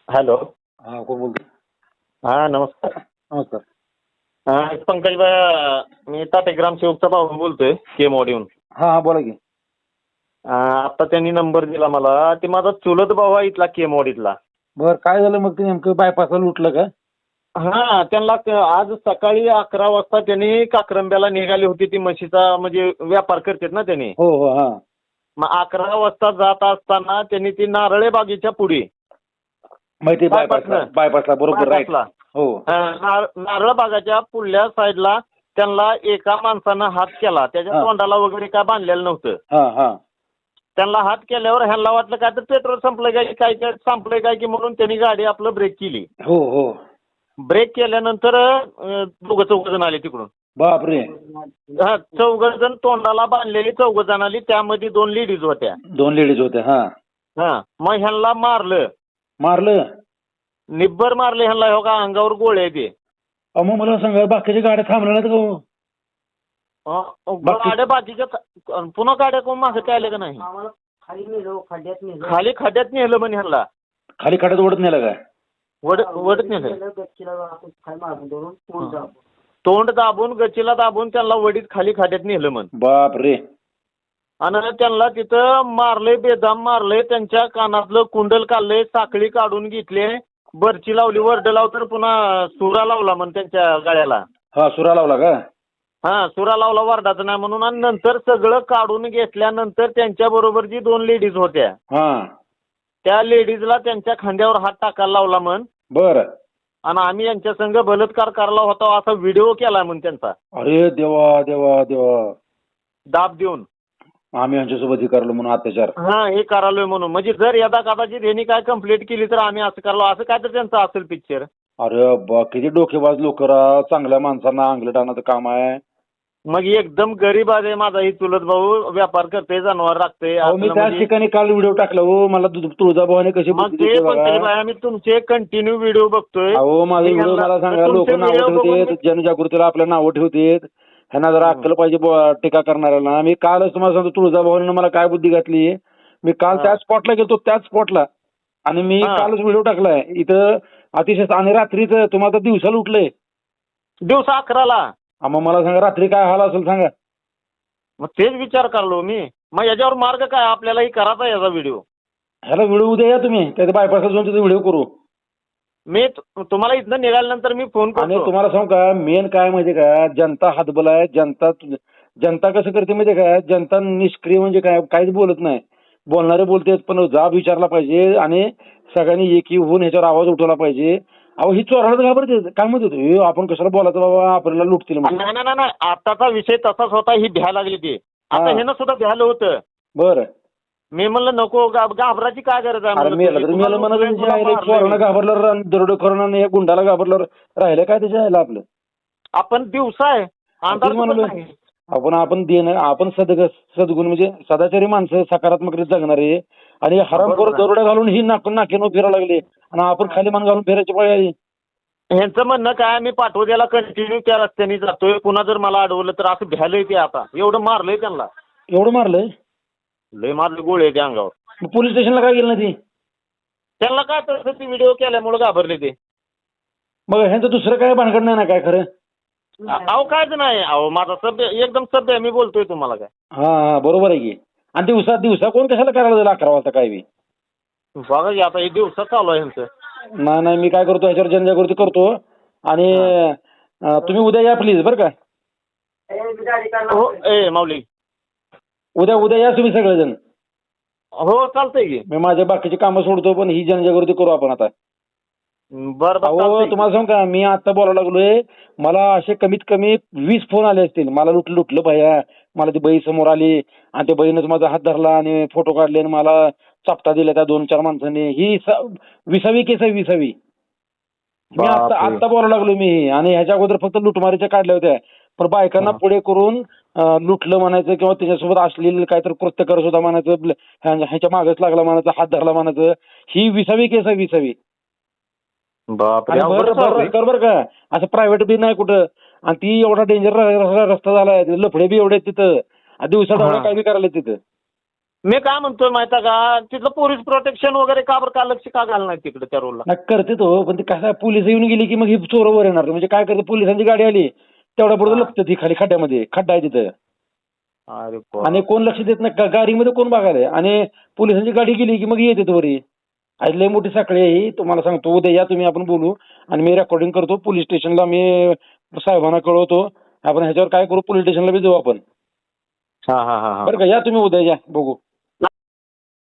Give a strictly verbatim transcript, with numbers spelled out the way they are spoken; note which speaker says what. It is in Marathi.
Speaker 1: हॅलो.
Speaker 2: हा कोण बोलतो?
Speaker 1: हा नमस्कार.
Speaker 2: नमस्कार.
Speaker 1: हा पंकज भाई, मी ताटे ग्रामसेवकचा भाऊ बोलतोय केमवाडीहून.
Speaker 2: हा हा बोला की.
Speaker 1: आता त्यांनी नंबर दिला मला. ते माझा चुलत भाऊ आहे इथला केमवाडीतला.
Speaker 2: बर काय झालं मग? ते नेमकं बायपासला लुटलं का?
Speaker 1: हा त्यांना क- आज सकाळी अकरा वाजता त्यांनी काक्रंब्याला निघाली होती. ती म्हशीचा म्हणजे व्यापार करतात ना त्यांनी.
Speaker 2: हो हो हा.
Speaker 1: मग अकरा वाजता जात असताना त्यांनी ती नारळे बागेच्या पुढे
Speaker 2: माहिती बायपासला
Speaker 1: बायपासनं.
Speaker 2: बायपासला बरोबर राईट.
Speaker 1: बायपासला.
Speaker 2: हो
Speaker 1: हा, नार- नारळ बागाच्या पुढल्या साईडला त्यांना एका माणसानं हात केला. त्याच्या
Speaker 2: हा.
Speaker 1: तोंडाला वगैरे काय बांधलेलं नव्हतं.
Speaker 2: हा हा
Speaker 1: त्यांना हात केल्यावर ह्यांना वाटलं काय तर पेट्रोल संपलं काय की काय काय संपलंय काय की म्हणून त्यांनी गाडी आपलं ब्रेक केली.
Speaker 2: हो हो.
Speaker 1: ब्रेक केल्यानंतर अं, दोघं चौघ जण आले तिकडून.
Speaker 2: बापरे.
Speaker 1: हा चौघ जण तोंडाला बांधलेली चौघ जण आली. त्यामध्ये दोन लेडीज होत्या.
Speaker 2: दोन लेडीज होत्या. हा.
Speaker 1: हा मग ह्यांना मारलं.
Speaker 2: मारलं?
Speaker 1: निब्बर मारले ह्यांना. हो का अंगावर गोळे आहे ते.
Speaker 2: अहो, मग मला सांगा बाकीच्या गाड्या थांबल्या नाहीत का हो?
Speaker 1: अं,
Speaker 2: बाकी-
Speaker 1: गाड्या बाकीच्या अं, पुन्हा गाड्या कोण मागे काय आले का नाही?
Speaker 3: खाली नेलो खड्ड्यात नेलो
Speaker 1: खाली खड्ड्यात नेलं म्हणे ह्यांना.
Speaker 2: खाली खड्यात ओढत नेलं काय?
Speaker 1: वड वडत नेलं.
Speaker 3: गच्चीला आपण खाली मारून धरून पूल जाऊ.
Speaker 1: तोंड दाबून गच्चीला दाबून त्यांना वडीत खाली खड्ड्यात नेलं म्हण.
Speaker 2: बापरे.
Speaker 1: आणि त्यांना तिथं मारले, बेदाम मारले. त्यांच्या कानातलं कुंडल काढले, साखळी काढून घेतले, बर्ची लावली, वरड लाव तर पुन्हा सुरा लावला म्हण त्यांच्या गळ्याला.
Speaker 2: हा सुरा लावला का?
Speaker 1: हा सुरा लावला वरडाचं नाही म्हणून. आणि नंतर सगळं काढून घेतल्यानंतर त्यांच्या बरोबर जी दोन लेडीज होत्या
Speaker 2: हा.
Speaker 1: त्या लेडीजला त्यांच्या खांद्यावर हात टाकायला लावला म्हण.
Speaker 2: बर.
Speaker 1: आणि आम्ही यांच्या संघ बलात्कार करायला होता असा व्हिडिओ केला म्हण त्यांचा
Speaker 2: अरे देवा देवा देवा.
Speaker 1: दाब देऊन.
Speaker 2: आम्ही यांच्यासोबत हे करलो म्हणून अत्याचार.
Speaker 1: हा हे करालोय म्हणून. म्हणजे जर यदा कदाचित यांनी काय कंप्लेंट केली तर आम्ही असं करलो असं काय तर त्यांचं असेल पिक्चर.
Speaker 2: अरे बा किती डोकेबाज लोक राव. चांगल्या माणसांना अंगलट आणायचं काम आहे.
Speaker 1: मग एकदम गरीब आहे माझा ही चुलत भाऊ. व्यापार करते, जनावर राखते.
Speaker 2: अहो, मी
Speaker 1: असलं
Speaker 2: त्याच
Speaker 1: म्हणजे-
Speaker 2: ठिकाणी काल व्हिडिओ टाकला हो. मला तु- तुळजाभवानी कशी
Speaker 1: मग
Speaker 2: बुद्धी
Speaker 1: ते
Speaker 2: देते
Speaker 1: पण
Speaker 2: बघा.
Speaker 1: तरी बाई, आम्ही तुमचे कंटिन्यू व्हिडिओ बघतोय.
Speaker 2: अहो माझा
Speaker 1: मी
Speaker 2: व्हिडिओ
Speaker 1: ह्यांना-
Speaker 2: मला सांगा.
Speaker 1: तुमचे
Speaker 2: लोक नावं
Speaker 1: video बघून
Speaker 2: ठेवतात,
Speaker 1: मी-
Speaker 2: जनजागृतीला आपल्या नावं ठेवतात. ह्यांना जरा अक्कल पाहिजे ब- टीका करणाऱ्याला. मी कालच तुम्हाला सांगतो तुळजाभवानीनं मला काय बुद्धी घातली. मी काल
Speaker 1: हा.
Speaker 2: त्याच स्पॉटला गेलो, त्याच स्पॉटला. आणि मी
Speaker 1: हा.
Speaker 2: कालच व्हिडिओ टाकलाय इथं अतिशय. आणि रात्रीच तुम्हाला तर दिवसाला उठलंय.
Speaker 1: दिवसा अकराला.
Speaker 2: मग मला सांगा रात्री काय हाल असेल सांगा.
Speaker 1: मग तेच विचार करलो मी. मग याच्यावर मार्ग काय आपल्यालाही करायचा याचा व्हिडिओ.
Speaker 2: ह्याला व्हिडिओ उद्या या तुम्ही. त्या बायपासला जाऊन तिथे व्हिडिओ करू.
Speaker 1: मी तु- तुम्हाला इथनं निघाल्यानंतर मी फोन
Speaker 2: आणि
Speaker 1: करतो.
Speaker 2: तुम्हाला सांगू का मेन काय माहिती का, जनता हातबल आहे. जनता जनता कसं करते माहिती का, जनता निष्क्रिय म्हणजे काय काहीच बोलत नाही. बोलणारे बोलतेत पण जाब विचारला पाहिजे आणि सगळ्यांनी एकी होऊन ह्याच्यावर आवाज उठवला पाहिजे. अहो ही चोराला घाबरते. काय म्हणत होते आपण कशाला बोलायचं बाबा, आपल्याला लुटतील म्हणून.
Speaker 1: नाही नाही नाही आताचा विषय तसाच होता. ही भ्या लागली ती. आता
Speaker 2: हा.
Speaker 1: हे ना सुद्धा भ्यालं होतं.
Speaker 2: बरं.
Speaker 1: मी म्हणलं नको घा- घाबराची काय गरज आहे
Speaker 2: अरे
Speaker 1: म्हणलं.
Speaker 2: मेला तर
Speaker 1: तुम्ही
Speaker 2: मेला
Speaker 1: तुम्हाला
Speaker 2: म्हणा.
Speaker 1: तुला
Speaker 2: चोरानं
Speaker 1: मारलंय.
Speaker 2: घाबरलं, दरोडेखोरानं या गुंडाला घाबरलं, राहिलं काय त्याच्या ह्याला आपलं.
Speaker 1: आपण दिवसा आहे अंधार
Speaker 2: आपण
Speaker 1: पण
Speaker 2: म्हणलो
Speaker 1: नाही.
Speaker 2: आपण आपण देणं आपण सद सद्गुण म्हणजे सदाचारी माणसं, सकारात्मक जगणारे. आणि हरामखोर
Speaker 1: बरोबर आहे.
Speaker 2: दरोड्या घालून ही नाक नाकेनो फिरायला लागले आणि आपण खाली मान घालून फिरायची पाळी आली.
Speaker 1: ह्यांचं म्हणणं काय, मी पाठवद्याला कंटिन्यू त्या रस्त्याने जातोय. पुन्हा जर मला अडवलं तर असं भ्यालंय ते. आता एवढं मारलंय त्यांना.
Speaker 2: एवढं मारलंय.
Speaker 1: लय मारले गोळे त्या अंगावर.
Speaker 2: मग पोलीस स्टेशनला काय गेलं ना ती.
Speaker 1: त्यांना काय तसं ती व्हिडिओ केल्यामुळे घाबरले ते.
Speaker 2: मग ह्यांचं दुसरं काय भानगड नाही ना काय खरं.
Speaker 1: अहो कायच नाही. अहो माझा सभ्य एकदम सभ्य आहे. मी बोलतोय तुम्हाला काय.
Speaker 2: हा हा बरोबर आहे की. आणि दिवसा दिवसा कोण कशाला करायला जाईल अकरा वाजता काय बी.
Speaker 1: बघा की आता हे दिवसात चालू आहे ह्यांचं.
Speaker 2: नाही नाही मी काय करतो ह्याच्यावर जनजागृती करतो. आणि अं, तुम्ही उद्या या प्लीज बरं का.
Speaker 3: गाडी काढला.
Speaker 1: हो ए माऊली.
Speaker 2: उद्या उद्या या तुम्ही सगळेजण.
Speaker 1: हो चालतंय की.
Speaker 2: मी माझ्या बाकीची कामं सोडतो पण ही जनजागृती करू आपण आता.
Speaker 1: बरं बरं
Speaker 2: अहो
Speaker 1: चालतंय.
Speaker 2: तुम्हाला सांगू का, मी आता बोलायला लागलोय. मला असे कमीत कमी वीस फोन आले असतील. मला लुट लुटलं भैया. मला ती बाई समोर आली आणि त्या बाईनंच माझा हात धरला आणि फोटो काढले आणि मला चापटा दिला त्या दोन चार माणसांनी. ही स- विसावी केस आहे विसावी. मी आता
Speaker 1: बापरे.
Speaker 2: आता बोलायला लागलो मी. आणि ह्याच्या अगोदर फक्त लुटमारीच्या काढल्या होत्या. पण बायकांना
Speaker 1: हा.
Speaker 2: पुढे करून अं, लुटलं म्हणायचं किंवा त्याच्यासोबत अश्लील काहीतरी कृत्य करत होता म्हणायचं. ह्या- ह्याच्या मागच लागला म्हणायचं, हात धरला म्हणायचं. ही विसावी केस आहे विसावी.
Speaker 1: बापरे.
Speaker 2: आणि
Speaker 1: अवघड
Speaker 2: बरं
Speaker 1: चालू
Speaker 2: बरं
Speaker 1: आहे.
Speaker 2: कर बरं का, असं प्रायव्हेट बी नाही कुठं. आणि ती एवढा डेंजर रस्ता झालाय. लफडे बी एवढे आहेत तिथं. आणि दिवसा
Speaker 1: हा.
Speaker 2: काय बी करायला तिथं.
Speaker 1: मी काय म्हणतोय माहिती आहे का, तिथलं पोलीस प्रोटेक्शन वगैरे का बरं का लक्ष का घालणार नाही तिकडे त्या रोडला?
Speaker 2: नाही करते तो, पण ते कसं पोलिस येऊन गेली की मग ही चोर वर येणार. म्हणजे काय करते, पोलिसांची गाडी आली तेवढ्या बरोबर
Speaker 1: हा.
Speaker 2: लपतं ती खाली खड्ड्यामध्ये, खड्डा आहे तिथं.
Speaker 1: अरे
Speaker 2: आणि कोण लक्ष देत नाही, गा- गाडीमध्ये कोण बघायला. आणि पोलिसांची गाडी गेली की मग येते वरी. आज लय मोठी साखळी आहे ही, तुम्हाला सांगतो. उद्या या तुम्ही, आपण बोलू. आणि मी रेकॉर्डिंग करतो पोलीस स्टेशनला, मी साहेबांना कळवतो. आपण ह्याच्यावर काय करू, पोलीस स्टेशनला बी जाऊ आपण.
Speaker 1: हा हा हा हा
Speaker 2: बरं का, या तुम्ही उद्या, या बघू.